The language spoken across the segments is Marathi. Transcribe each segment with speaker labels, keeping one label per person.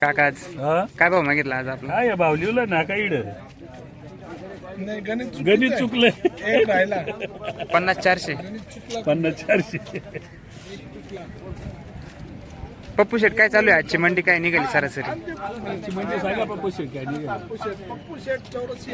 Speaker 1: काका आज काय भाव मागितला आज आपला?
Speaker 2: काय भाव लिहिलं ना काय इड
Speaker 3: नाही
Speaker 2: गणित चुकलंय.
Speaker 3: एक राहिला
Speaker 1: 50-400.
Speaker 2: 50-400.
Speaker 1: पप्पू शेट काय चालू आहे आजची मंडी काय निघाली सरासरी?
Speaker 2: म्हणजे सांगा पप्पू शेट काय निघाला.
Speaker 3: पप्पू शेट चौरसिया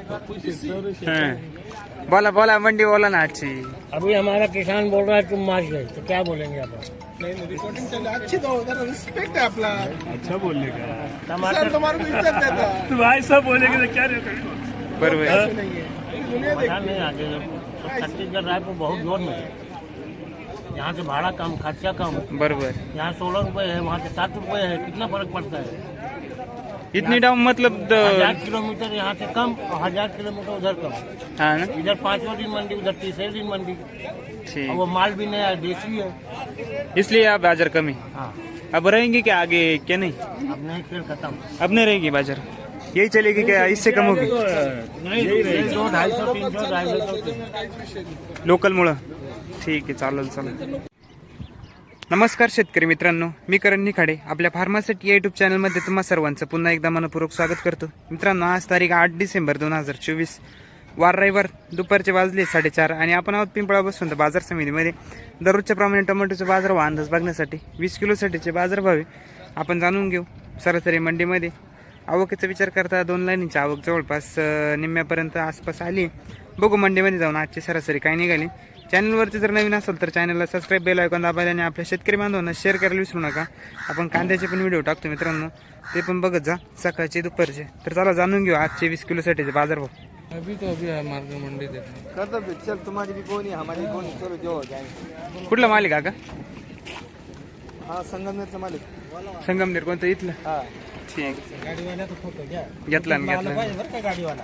Speaker 1: बोला बोला मंडी बोला ना आजची.
Speaker 4: अभी हमारा किसान बोल रहा है तुम मार गए तो क्या बोलेंगे आप?
Speaker 3: नहीं रिकॉर्डिंग चल अच्छी तो उधर रिस्पेक्ट है अपना
Speaker 2: अच्छा बोलले का
Speaker 3: सर तुम्हारे को इज्जत देता
Speaker 2: तू ऐसा बोलेगे तो क्या रे
Speaker 1: बरोबर
Speaker 3: ऐसे नहीं है दुनिया
Speaker 4: पता नहीं आगे छत्तीसगढ़ रायपुर बहुत जोर में है। यहाँ से भाड़ा कम, खर्चा कम।
Speaker 1: बरोबर.
Speaker 4: यहाँ 16 रुपए है, वहाँ से 7 रुपए है, कितना फर्क पड़ता है?
Speaker 1: इतनी डाउन मतलब
Speaker 4: 1000 किलोमीटर यहाँ से कम और 1000 किलोमीटर उधर कम।
Speaker 1: हाँ ना
Speaker 4: इधर 5वें दिन मंडी, उधर 3रे दिन मंडी।
Speaker 1: ठीक.
Speaker 4: और वो माल भी नया है, देसी है।
Speaker 1: इसलिए आप बाजार कमी.
Speaker 4: हाँ,
Speaker 1: अब रहेंगी क्या आगे क्या नहीं?
Speaker 4: अब नहीं, फिर खत्म।
Speaker 1: अब नहीं रहेगी बाजार, यही चलेगी क्या इससे कम होगी?
Speaker 4: नहीं 200, 250, 300, 250।
Speaker 1: लोकल मुळे. ठीक आहे चालेल चालेल. नमस्कार शेतकरी मित्रांनो, मी करण निखाडे आपल्या फार्मासिटी यूट्यूब चॅनलमध्ये तुम्हा सर्वांचं पुन्हा एकदा मनपूर्वक स्वागत करतो. मित्रांनो आज तारीख 8 डिसेंबर 2024 वार रविवार दुपारचे वाजले 4:30 आणि आपण आहोत पिंपळा बसून बाजार समितीमध्ये दररोजच्या प्रमाणे टोमॅटोचे बाजारभाव अंदाज बघण्यासाठी 20 किलोसाठीचे बाजारभाव आपण जाणून घेऊ. सरासरी मंडीमध्ये आवकेचा विचार करता 2 लाईनीची आवक जवळपास निम्म्यापर्यंत आसपास आली. बघू मंडीमध्ये जाऊन आजची सरासरी काय निघाली. चॅनलवरती जर नवीन असेल तर चॅनलला सबस्क्राईब बेल आयकॉन दाबायला आणि आपल्या शेतकरी बांधवांना शेअर करायला विसरू नका. आपण कांद्याचे पण व्हिडिओ टाकतो मित्रांनो, ते पण बघत जा सकाळचे दुपारचे. तर चला जाणून घेऊ आजचे 20 किलोसाठीचे बाजारभाव.
Speaker 3: अभी है मार्केट मंडी देखो
Speaker 5: करता चल तुम्हारी भी कोनी हमारी कोनी चलो जो हो जाएंगे.
Speaker 1: कुठला मालिक काका?
Speaker 5: हाँ संगमनेरचा मालिक.
Speaker 1: संगमनेर कोणतं इथलं?
Speaker 5: हा
Speaker 1: ठीक.
Speaker 4: गाडीवाला तो फोटो घ्या.
Speaker 1: घेतला ना घेतला.
Speaker 4: बरं का गाडीवाला?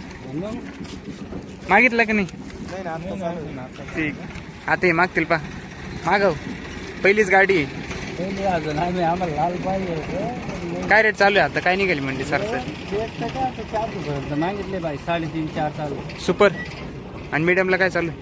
Speaker 1: मागितला का नाही?
Speaker 5: नाही ना आता चालू आहे ना.
Speaker 1: ठीक. आता हे मागतील पा मागव, पहिलीच गाडी आहे.
Speaker 4: अजून आम्ही आम्हाला लाल पाहिजे होतं.
Speaker 1: काय रेट चालू आहे आता? काय निघाली मंडी सरासरी?
Speaker 4: 4 मागितले बाई, 3.5 4 चालू.
Speaker 1: सुपर आणि मीडियमला काय चालू आहे?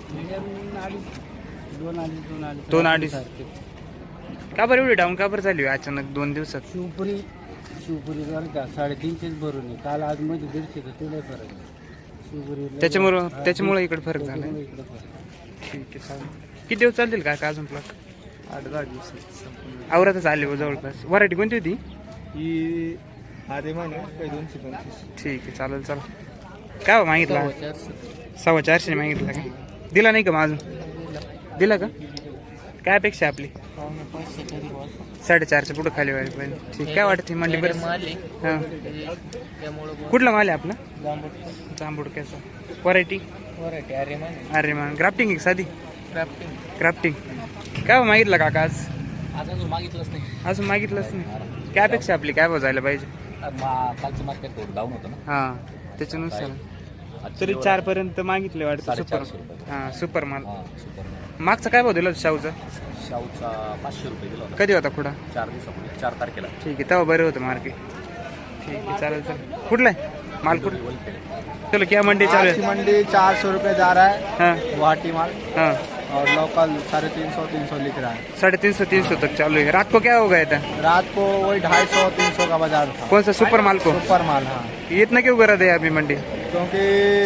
Speaker 1: 2.5. का बरं एवढी डाऊन का बरं झाली अचानक 2 दिवसात?
Speaker 4: शिवपुरी झाली का 350 भरून आहे. काल आज मध्ये 150 तर तुला फरक आहे. शिवपुरी
Speaker 1: त्याच्यामुळे इकडे फरक झाला.
Speaker 4: इकडे फरक.
Speaker 1: ठीक आहे चालेल. किती दिवस चालतील का अजून प्लॉट?
Speaker 5: 8-10 दिवस
Speaker 1: आवरातच आले हो जवळपास. व्हरायटी कोणती होती?
Speaker 5: ही आधे महिने काही 225.
Speaker 1: ठीक आहे चालेल चला. काय भाव मागितला? 450 मागितला का? दिला नाही का माझून? दिला का? काय अपेक्षा आपली? 4.5च्या पुढे खाली व्हायला पाहिजे. ठीक. काय वाटते मंडी बरं? हां कुठला माल आहे आपला? जांबुडक्याचा. व्हरायटी अरे मान ग्राफ्टिंग आहे साधी? ग्राफ्टिंग. काय भाव मागितला काका आज?
Speaker 4: अजून मागितलंच नाही.
Speaker 1: अजून मागितलंच नाही. काय अपेक्षा आपली? काय भाव जायला पाहिजे?
Speaker 4: कालचं मार्केट थोडं डाऊन होतं ना.
Speaker 1: हां त्याच्यानुसार तरी 4 पर्यंत मागितले वाटतं. सुपर. हां सुपर माल. मागचा काय भाव दिला शाहूचा?
Speaker 6: शाहूचा 500 रुपये दिला होता
Speaker 1: कधी होता खुडा?
Speaker 6: 4 दिवसापूर्वी, 4 तारखेला.
Speaker 1: ठीक आहे तेव्हा बरं होतं मार्केट. ठीक आहे चालेल चालेल. कुठला आहे माल? कुठं? चलो क्या मंडी चालू
Speaker 5: आज की
Speaker 1: है?
Speaker 5: मंडी 400 रुपये जा रहा है
Speaker 1: हाँ
Speaker 5: गुवाहाटी माल
Speaker 1: हाँ
Speaker 5: और लोकल 350-300 लिख रहा है.
Speaker 1: 350-300 तक चालू है. रात को क्या हो गया था?
Speaker 5: रात को वही 250-300 का बाजार था.
Speaker 1: कौन सा सुपर माल को?
Speaker 5: सुपर माल. हाँ
Speaker 1: इतना क्यों करा दे अभी मंडी?
Speaker 5: क्योंकि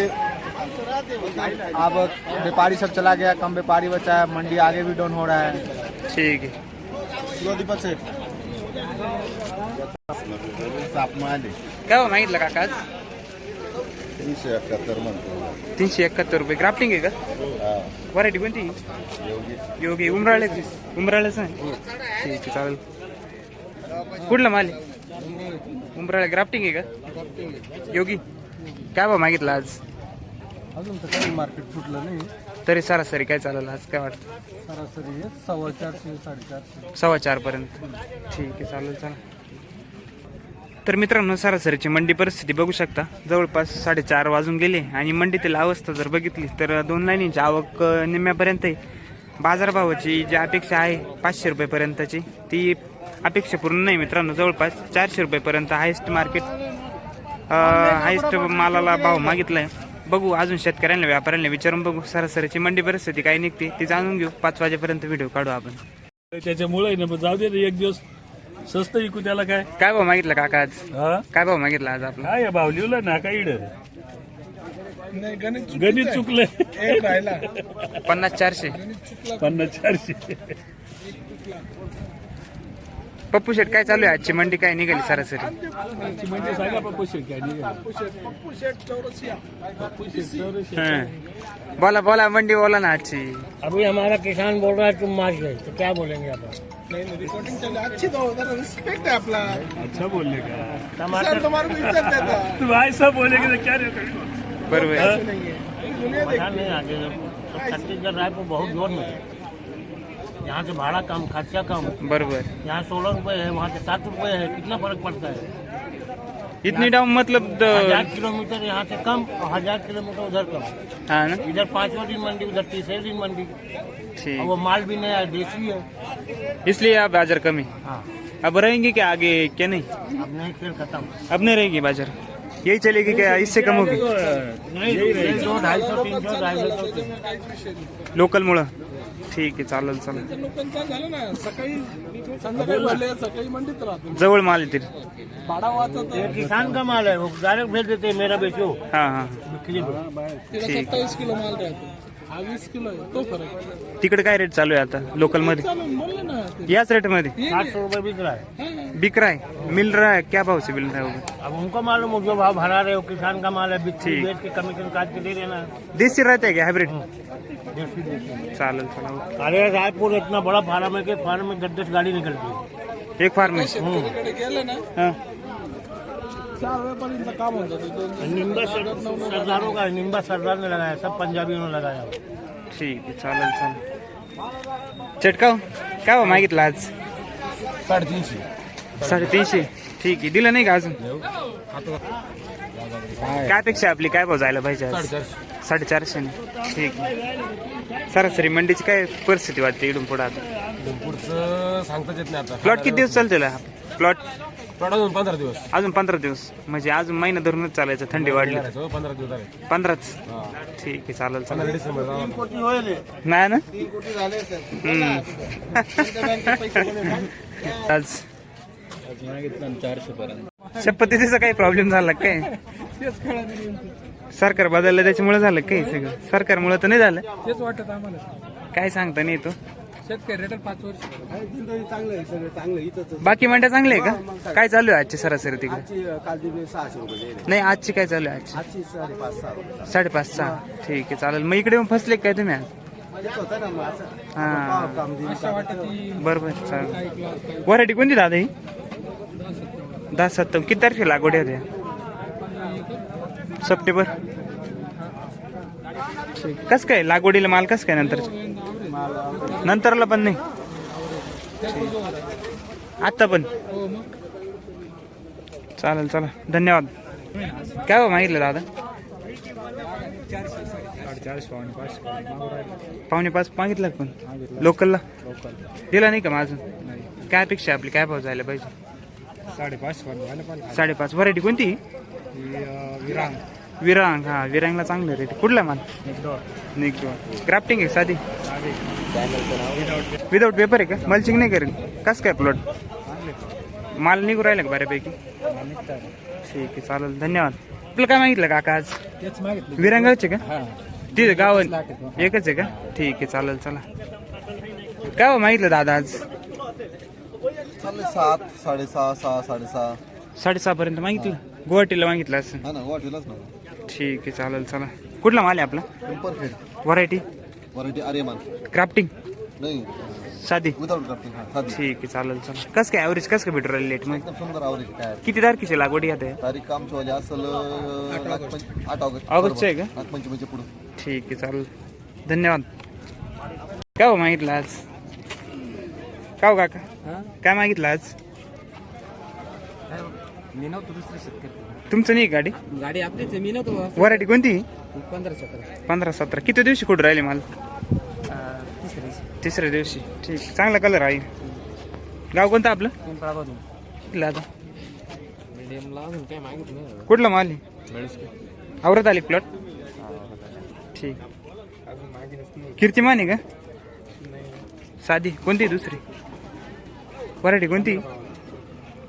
Speaker 5: अब व्यापारी सब चला गया, कम व्यापारी बचा है, मंडी आगे भी डाउन हो रहा है.
Speaker 1: ठीक है.
Speaker 5: दीपक सेठ
Speaker 1: काय हो मागितलं काका आज? 371 रुपये. ग्राफ्टिंग आहे का? व्हरायटी कोणती? योगी. उमराळे उमराळेच आहे. ठीक आहे चालेल. कुठला माल आहे? उमराळे. ग्राफ्टिंग आहे का? योगी. काय भाव मागितला आज?
Speaker 5: अजून तर काही मार्केट फुटलं नाही.
Speaker 1: तरी सरासरी काय चालेल आज? काय वाटतं?
Speaker 5: सरासरी 450-450.
Speaker 1: 4.25 पर्यंत. ठीक आहे चालेल चला. तर मित्रांनो सरासरीची मंडी परिस्थिती बघू शकता. जवळपास 4:30 वाजून गेले आणि मंडीतील अवस्था जर बघितली तर 2 लाईनीची आवक निम्म्यापर्यंत आहे. बाजारभावाची जी अपेक्षा आहे 500 रुपयेपर्यंतची ती अपेक्षा पूर्ण नाही मित्रांनो. जवळपास 400 रुपयेपर्यंत हायेस्ट मार्केट हायेस्ट मालाला भाव मागितला आहे. बघू अजून शेतकऱ्यांना व्यापाऱ्यांना विचारून बघू सरासरीची मंडी परिस्थिती काय निघते ती जाणून घेऊ. 5 वाजेपर्यंत व्हिडिओ काढू आपण.
Speaker 2: त्याच्यामुळे ना जाऊ दे एक दिवस स्वस्त विकू त्याला काय
Speaker 1: काय भाव मागितला काका आज?
Speaker 2: हा
Speaker 1: काय भाव मागितला आज आपला?
Speaker 2: काय भाव लिहिलं ना काय इड
Speaker 3: नाही गणित
Speaker 2: गणित चुकलंय
Speaker 3: एक राहिला
Speaker 1: 50-400.
Speaker 2: 50-400.
Speaker 1: पप्पू शेट काय चालू आहे आजची मंडी काय निघाली सरासरी?
Speaker 2: म्हणजे सांगा पप्पू शेट काय निघाला.
Speaker 3: पप्पू शेट चौरसिया
Speaker 1: हं. बोला मंडी बोला ना आजची.
Speaker 7: अभी हमारा किसान बोल रहा है तुम मार गए तो क्या बोलेंगे आप?
Speaker 3: नहीं रिकॉर्डिंग चल अच्छी दो जरा रिस्पेक्ट है अपना
Speaker 2: अच्छा बोलले का
Speaker 3: सर तुम्हारे को इज्जत देता
Speaker 2: तू ऐसा बोलेगे तो क्या रे
Speaker 1: बरोबर.
Speaker 3: नहीं है ये दुनिया
Speaker 7: परेशान नहीं आगे छत्तीसगढ़ रायपुर बहुत जोर में है। यहाँ से भाड़ा कम, खर्चा कम।
Speaker 1: बरोबर.
Speaker 7: यहाँ 16 रुपए है, वहाँ से 7 रुपए है, कितना फर्क पड़ता है?
Speaker 1: इतनी डाउन मतलब
Speaker 7: 1000 किलोमीटर यहाँ से कम और 1000 किलोमीटर उधर कम।
Speaker 1: हाँ ना.
Speaker 7: इधर 5वां दिन मंडी, उधर 3रे दिन मंडी। और
Speaker 1: ठीक.
Speaker 7: वो माल भी नया है, देसी है।
Speaker 1: इसलिए आप बाजार कमी.
Speaker 7: हाँ,
Speaker 1: अब रहेंगे क्या आगे क्या नहीं?
Speaker 7: अब नहीं, खेल खत्म।
Speaker 1: अब नहीं रहेगी बाजार, यही चलेगी क्या? इससे कम होगी
Speaker 7: नहीं 200, 250, 300, 250।
Speaker 1: लोकल मुळे. ठीक आहे, चालेल चालेल.
Speaker 3: लोकांचं झालं ना सकाळी संध्याकाळी भरले सकाळी मंडीत राहतो
Speaker 1: जवळ माल येतील.
Speaker 3: भाडा वाचत
Speaker 7: ये किसान का माल है, वो डायरेक्ट भेज देते हैं, मेरा बेचो।
Speaker 1: हा हा.
Speaker 7: बिक्री दो।
Speaker 3: तिला 27 किलो माल राहतो हा 20 किलो आहे तो फरक
Speaker 1: तिकडे काय रेट चालू आहे आता लोकल मध्ये?
Speaker 3: चालून बोलले ना ते.
Speaker 1: याच रेट मध्ये
Speaker 7: 700 रुपए बिक रहा है।
Speaker 1: बिक रहा है, मिल रहा है? क्या भाव से मिल रहा है वो?
Speaker 7: अब उनको मालूम हो जो भाव भरा रहे हो, किसान का माल है, बिक्री
Speaker 1: ठीक।
Speaker 7: बेच के कमीशन काट के दे देना।
Speaker 1: देशी रहते है क्या हाइब्रिड?
Speaker 7: देसी देसी।
Speaker 1: चालेल चालेल.
Speaker 7: अरे रायपुर इतना बड़ा फार्म है कि फार्म में 10-10 गाड़ी निकलती है।
Speaker 1: एक फार्म है.
Speaker 3: शेतकरीकडे गेले ना
Speaker 1: हाँ.
Speaker 3: 4 वेळपर्यंत काम होत होतं
Speaker 7: निम्बा सरदारों का, निम्बा सरदार ने लगाया, सब पंजाबियों ने लगाया।
Speaker 1: ठीक आहे, चालेल चालेल. चटकाव काय भाव मागितला आज? 350. ठीक आहे, दिलं नाही का अजून? काय अपेक्षा आपली, काय भाव जायला पाहिजे आज? 450. ठीक आहे. सरासरी मंडीची काय परिस्थिती वाटते इडून पुढे आता?
Speaker 5: पुढचं सांगताच येत नाही आता.
Speaker 1: प्लॉट किती दिवस चालतील हा प्लॉट?
Speaker 5: अजून 15 दिवस.
Speaker 1: अजून 15 दिवस म्हणजे अजून महिना धरूनच चालायचं. थंडी वाढली
Speaker 5: 15 दिवस झाले.
Speaker 1: 15च. ठीक आहे, चालेल चालेल.
Speaker 5: डिसेंबर
Speaker 1: नाही ना.
Speaker 3: कोटी झाले सर
Speaker 1: हम्म. आज
Speaker 5: 400 पर्यंत.
Speaker 1: शपथीचा काही प्रॉब्लेम झाला काय?
Speaker 3: तेच कळलं नाही
Speaker 1: सरकार बदललं त्याच्यामुळे झालं काही सगळं? सरकारमुळे तर नाही झालं.
Speaker 3: तेच वाटत आम्हाला
Speaker 1: काय सांगता नाही तो.
Speaker 3: शेतकरी रेटर 5 वर्ष चांगलं आहे सगळं चांगलं इथंच
Speaker 1: बाकी मंड्या चांगले आहे का? काय चालू आहे आजची सरासरी तिकडे?
Speaker 5: काल दिले 600 रुपये.
Speaker 1: नाही, आजची काय चालू आहे? आजची
Speaker 5: आजची 5.5-6 रुपये.
Speaker 1: 5.5-6. ठीक आहे, चालेल. मग इकडे येऊन फसले काय तुम्ही आज?
Speaker 5: येत होतं ना मग असं.
Speaker 1: हा,
Speaker 5: काम दिली.
Speaker 3: अशा वाटत
Speaker 1: बरोबर. चालेल. व्हरायटी कोणती दादा ही? 10-7. किती तारखेला लागवड होत्या? सप्टेंबर. कस काय लागवडीला माल कस काय नंतर? नंतरला पण नाही, आता पण. चालेल चला, धन्यवाद. काय हो मागितलं दादा? 4.5 मागितलं पण लोकलला दिला नाही का माझं? काय अपेक्षा आपली, काय भाव जायला पाहिजे? 5.5. व्हरायटी कोणती? विरांग. हा, विरांगला चांगलं रेट. कुठला माल? निघतो. क्राफ्टिंग आहे साधी? विदाउट पेपर आहे का? मल्चिंग नाही करेल? कस काय प्लॉट माल निघू राहिला का बऱ्यापैकी? ठीक आहे, चालेल, धन्यवाद. आपलं काय मागितलं काका आज? विरांगाचे का? तिथे गाव एकच आहे का? ठीक आहे, चालेल. चला, काय हो मागितलं दादा आज?
Speaker 5: 7, 6.5, 6, 6.5.
Speaker 1: 6.5 पर्यंत मागितलं. गुवाहाटीला मागितलं असं?
Speaker 5: हा ना, वाटेलच ना.
Speaker 1: ठीक आहे, चालेल. चला, कुठला माल आहे आपला?
Speaker 5: Perfect.
Speaker 1: Variety
Speaker 5: variety Aryaman.
Speaker 1: Crafting
Speaker 5: नाही,
Speaker 1: साधी?
Speaker 5: Without crafting. हा, साधी.
Speaker 1: ठीक आहे, चालेल. चला, कसं काय ॲव्हरेज कसं काय भेटू राहिले लेट मग?
Speaker 5: एकदम सुंदर आवरेज. काय
Speaker 1: किती तारखेची लागवडी आता?
Speaker 5: तारीख काम चोली असेल 8 ऑगस्ट.
Speaker 1: ऑगस्टची आहे का?
Speaker 5: 8 पुढे.
Speaker 1: ठीक आहे, चालेल, धन्यवाद. काय हो मागितलं आज? का हो काका, काय मागितलं आज?
Speaker 4: मी नव्हतो, दुसरे शेतकरी.
Speaker 1: तुमचं नाही गाडी?
Speaker 4: गाडी आपलीच आहे, मी नव्हतो.
Speaker 1: व्हरायटी कोणती?
Speaker 4: 15-17.
Speaker 1: 15-17. किती दिवशी कुठं राहिले माल? तिसऱ्या दिवशी. ठीक, चांगला कलर आहे. गाव कोणतं आपलं? कुठलं आता?
Speaker 4: मीडियमला अजून काय मागितलं?
Speaker 1: कुठला माल आहे? आवरत आली प्लॉट? ठीक. कीर्तिमान आहे का? साधी कोणती? दुसरी व्हरायटी कोणती?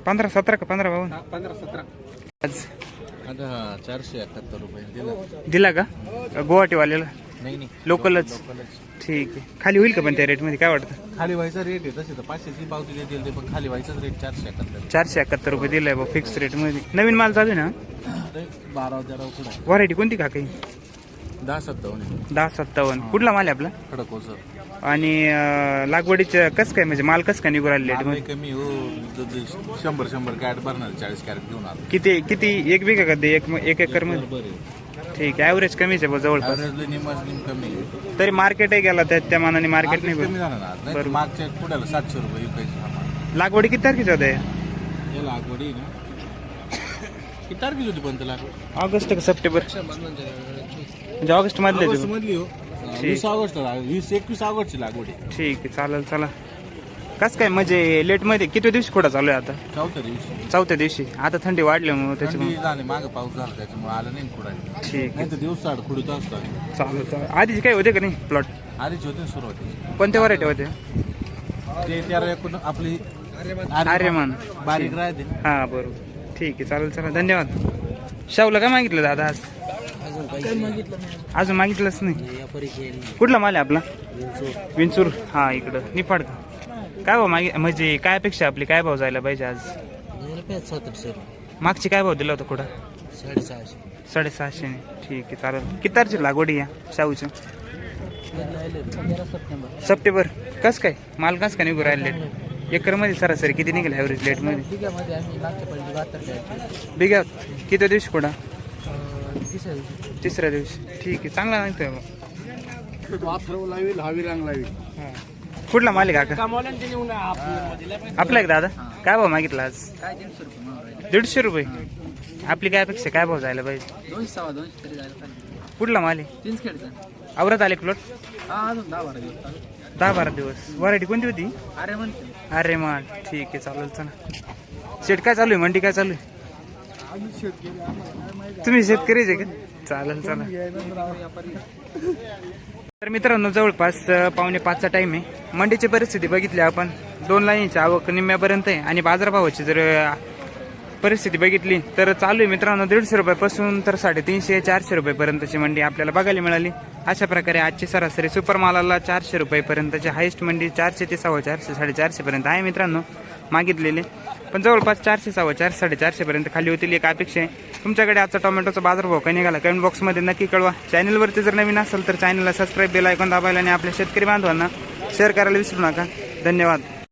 Speaker 1: 15-17 का 15-52?
Speaker 5: 15-17.
Speaker 1: आज
Speaker 8: आता 471 रुपये दिला.
Speaker 1: दिला का गुवाहाटीवाल्याला?
Speaker 8: नाही नाही
Speaker 1: लोकलच. ठीक आहे. खाली होईल का पण त्या रेटमध्ये काय वाटतं?
Speaker 8: खाली व्हायचा रेट आहे तसे तर 500ची पावती देतील ते, पण खाली व्हायचाच रेट 471.
Speaker 1: 471 रुपये दिलाय बा फिक्स रेटमध्ये. नवीन माल चालू आहे ना?
Speaker 8: 12-13 कुठं आहे?
Speaker 1: व्हरायटी कोणती का काही?
Speaker 8: 10-57
Speaker 1: 10-57. कुठला माल आहे आपला?
Speaker 8: खडक हो सर.
Speaker 1: आणि लागवडीचं कसं काय म्हणजे माल कसं काय निघू राहिले रेटमध्ये?
Speaker 8: कमी हो 100 कॅरेट भरणार 40 कॅरेट घेऊन आलो.
Speaker 1: किती 1 बिघा का ते 1 एकर मध्ये?
Speaker 8: बरं
Speaker 1: ठीक आहे. ॲव्हरेज कमीच आहे बा जवळपास.
Speaker 8: निम कमी आहे.
Speaker 1: तरी मार्केटही गेला त्या मानाने मार्केट नाही
Speaker 8: कमी झालं ना. नाही तर मागच्या पुढ्याला 700 रुपये विकायचे.
Speaker 1: लागवडी किती तारखेची होते?
Speaker 8: हे लागवडी ना किती तारखेची होती पण त्याला?
Speaker 1: ऑगस्ट का सप्टेंबर? म्हणजे ऑगस्ट मधले
Speaker 8: ऑगस्ट मधली हो. 20 ऑगस्ट 21 ऑगस्टची लागवड आहे.
Speaker 1: ठीक आहे. चालेल. चला कसं काय म्हणजे लेट मध्ये किती दिवशी खोडा चालू आहे आता?
Speaker 8: 4थ्या दिवशी.
Speaker 1: 4थ्या दिवशी. आता थंडी वाढल्यामुळे
Speaker 8: थंडी
Speaker 1: त्याच्यामुळे.
Speaker 8: झाली मागं पाऊस झाला त्याच्यामुळे आलं नाही कुठं.
Speaker 1: ठीक
Speaker 8: नाही तर दिवसाआड खुडीत असतो.
Speaker 1: चालेल. आधीच काय होते का नाही प्लॉट?
Speaker 8: आधीच होते सुरुवाती.
Speaker 1: कोणत्या व्हरायटी होते?
Speaker 8: ते 13 आपली
Speaker 1: आर्यमान.
Speaker 8: बारीक राहते.
Speaker 1: हा बरोबर. ठीक आहे. चालेल. चला धन्यवाद. शाहूला काय मागितलं दादा आज? अजून मागितलंच नाही. कुठला माल आहे आपला? विंचूर. हा इकडं निफाड का? काय भाव म्हणजे काय अपेक्षा आपली? काय भाव जायला पाहिजे आज?
Speaker 7: 700.
Speaker 1: मागची काय भाव दिला होता कुठं?
Speaker 7: 650.
Speaker 1: 650. ठीक आहे. चालेल. किती तारखेची लागवड आहे या शाहूच्या? सप्टेंबर. कसं काय माल कसं काय निघू राहिले लेट? एकरमध्ये सरासरी किती निघेल ॲव्हरेज लेटमध्ये? बिघ्यात किती दिवशी कुठं? तिसऱ्या दिवशी. ठीक आहे. चांगला नाही कुठला मालिक काका? आपला एक दादा काय भाव मागितला आज? 150 रुपये. आपली काय अपेक्षा काय भाव जायला पाहिजे?
Speaker 5: 200-250
Speaker 1: कुठला माल आहे? आवरात आले प्लॉट? 10-12 दिवस. व्हरायटी कोणती होती? अरे मान. ठीक आहे. चालेल. चला शेट काय चालू आहे? मंडी काय चालू आहे? तुम्ही शेतकरीच आहे का? चालेल. चला तर मित्रांनो जवळपास 4:45चा टाइम आहे. मंडीची परिस्थिती बघितली आपण. 2 लाईनची आवक निम्म्यापर्यंत आहे आणि बाजारभावाची जर परिस्थिती बघितली तर चालू आहे मित्रांनो 150 रुपयापासून तर 350-400 रुपयेपर्यंतची मंडी आपल्याला बघायला मिळाली. अशा प्रकारे आजची सरासरी सुपर मालाला 400 रुपयेपर्यंतची हायेस्ट मंडी 400 ते 450, 450 पर्यंत आहे मित्रांनो मागितलेले. पण जवळपास 400, 450, 450 पर्यंत खाली होतील एक अपेक्षा आहे. तुमच्याकडे आजचा टोमॅटोचा बाजारभाव काय निघाला कमेंट बॉक्समध्ये नक्की कळवा. चॅनलवरती जर नवीन असेल तर चॅनलला सबस्क्राईब बेल आयकॉन दाबायला आणि आपल्या शेतकरी बांधवांना शेअर करायला विसरू नका. धन्यवाद.